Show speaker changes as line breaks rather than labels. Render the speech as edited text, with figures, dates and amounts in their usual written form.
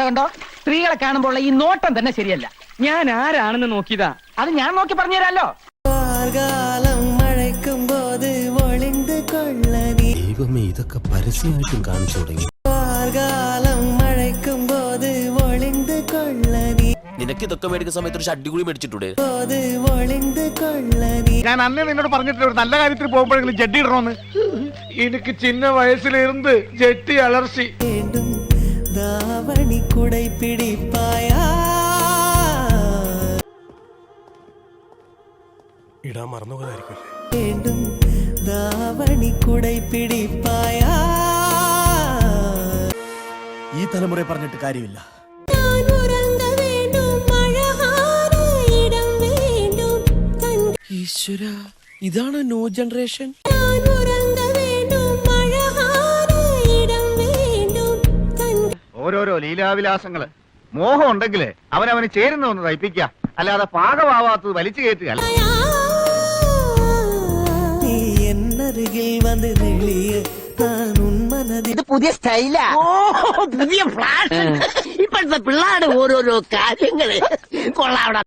കണ്ടോ സ്ത്രീകളെ കാണുമ്പോൾ ഈ നോട്ടം തന്നെ ശരിയല്ല.
ഞാൻ ആരാണെന്ന് നോക്കിയതാ.
അത് ഞാൻ നോക്കി പറഞ്ഞുതരാലോ.
മഴയ്ക്കുമ്പോത് ഒളിந்து കൊള്ള നീ.
ദൈവമേ, ഇതൊക്കെ പരസ്യമായിട്ടും കാണിച്ചു തുടങ്ങി.
മഴയ്ക്കുമ്പോത് ഒളിந்து കൊള്ള നീ.
നിനക്ക് ഇതൊക്കെ മേടിക്കുന്ന സമയത്ത് ഒരു ഷഡ്ഡി കൂടി മേടിച്ചിട്ടൂടെ?
ഒളിந்து കൊള്ള നീ.
ഞാൻ അന്നേ നിന്നോട് പറഞ്ഞിട്ടില്ല ഒരു നല്ല കാര്യത്തിൽ പോകുമ്പോഴെങ്കിലും ജഡ്ഡി ഇടണമെന്ന്. എനിക്ക് ചിന്ന വയസ്സിലിരുന്ന് ജെട്ടി അലർച്ചി.
വീണ്ടും ദാവണി കുടൈ പിടിപ്പായാ.
ഇടാൻ മറന്നുപോയതായിരിക്കും.
വീണ്ടും ദാവണി കുടൈ പിടിപ്പായാ.
ഈ തലമുറ പറഞ്ഞിട്ട് കാര്യമില്ല.
ഈശ്വര, ഇതാണ് ന്യൂ ജനറേഷൻ.
ഓരോരോ ലീലാവിലാസങ്ങള്. മോഹം ഉണ്ടെങ്കില് അവനവന് ചേരുന്ന ഒന്ന് തയ്പ്പിക്കുക, അല്ലാതെ പാകമാവാത്തത് വലിച്ചു കയറ്റുക.
നീ എന്നരികിൽ വന്ന് നെളിയ ഞാൻ ഉന്മനതി.
ഇത് പുതിയ സ്റ്റൈലാ, പുതിയ ഫ്ലാഷ്. ഇപ്പോഴത്തെ പിള്ളേരുടെ ഓരോരോ കാര്യങ്ങള് കൊള്ളാവിടെ.